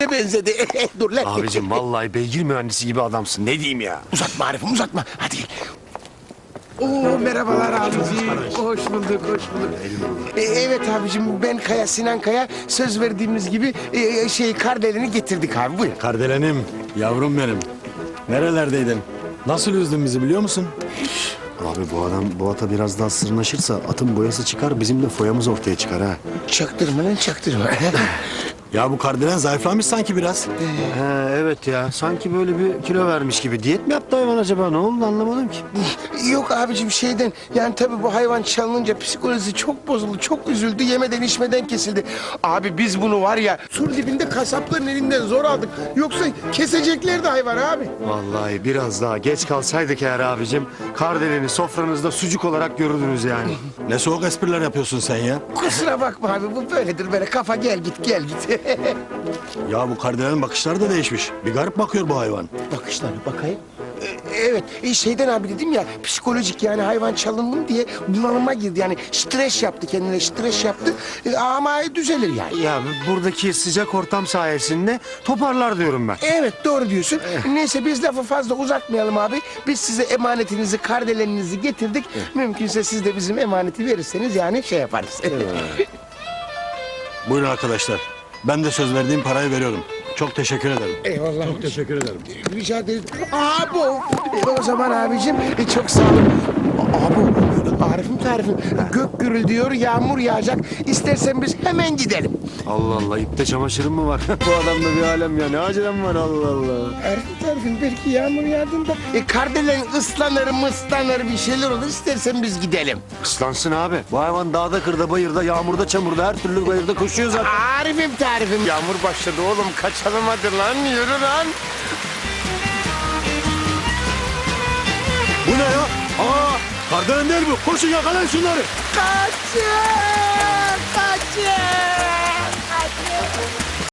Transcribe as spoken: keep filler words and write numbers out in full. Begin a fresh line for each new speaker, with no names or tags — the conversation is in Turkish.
benzedi. Dur lan.
Abicim vallahi beygir mühendisi gibi adamsın. Ne diyeyim ya?
Uzatma Arif'im uzatma. Hadi. Oo merhabalar abiciğim. Hoş bulduk, hoş bulduk. E, evet abicim ben Kaya, Sinan Kaya. Söz verdiğimiz gibi e, şey Kardelen'i getirdik abi. Buyur.
Kardelenim, yavrum benim. Nerelerdeydin? Nasıl üzdün bizi biliyor musun?
Abi bu adam bu ata biraz daha sırnaşırsa atın boyası çıkar, bizim de foyamız ortaya çıkar ha.
Çaktırma lan çaktırma.
Ya bu Kardelen zayıflamış sanki biraz.
He evet ya, sanki böyle bir kilo vermiş gibi. Diyet mi yaptı hayvan acaba? Ne oldu anlamadım ki.
Yok abicim şeyden yani tabii bu hayvan çalınınca psikolojisi çok bozuldu. Çok üzüldü. Yemeden içmeden kesildi. Abi biz bunu var ya sur dibinde kasapların elinden zor aldık. Yoksa keseceklerdi hayvan abi.
Vallahi biraz daha geç kalsaydık eğer abicim, Kardelen'i sofranızda sucuk olarak görürdünüz yani.
Ne soğuk espriler yapıyorsun sen ya.
Kusura bakma abi bu böyledir böyle kafa gel git gel git.
Ya bu Kardelen'in bakışları da değişmiş. Bir garip bakıyor bu hayvan.
Bakışlarına bakayım. Ee, Evet, e, şeyden abi dedim ya psikolojik yani hayvan çalındım diye bunalıma girdi. Yani stres yaptı kendine, stres yaptı E, ama düzelir yani.
Ya buradaki sıcak ortam sayesinde toparlar diyorum ben.
Evet doğru diyorsun. Neyse biz lafı fazla uzatmayalım abi. Biz size emanetinizi, kardeleninizi getirdik. Mümkünse siz de bizim emaneti verirseniz yani şey yaparız.
Buyurun arkadaşlar. Ben de söz verdiğim parayı veriyorum. Çok teşekkür ederim.
Eyvallah.
Çok teşekkür ederim.
Rica ederim. Aa bu. E, o zaman abicim e, çok sağ olun. Aa bu. Arif'im tarifim. Gök gürülüyor, yağmur yağacak. İstersen biz hemen gidelim.
Allah Allah, ipte çamaşırım mı var? Bu adamda bir alem ya, ne acelem var Allah Allah.
Arif'im tarifim belki yağmur yağdığında e, kardelen ıslanır mıslanır bir şeyler olur. İstersen biz gidelim.
Islansın abi. Bu hayvan dağda, kırda, bayırda, yağmurda, çamurda, her türlü bayırda koşuyor zaten.
Arif'im tarifim. Yağmur başladı oğlum. Kaçalım hadi lan. Yürü lan.
Bu ne ya? Aa, Kardelen değil bu. Koşun yakalayın şunları.
Kaçın!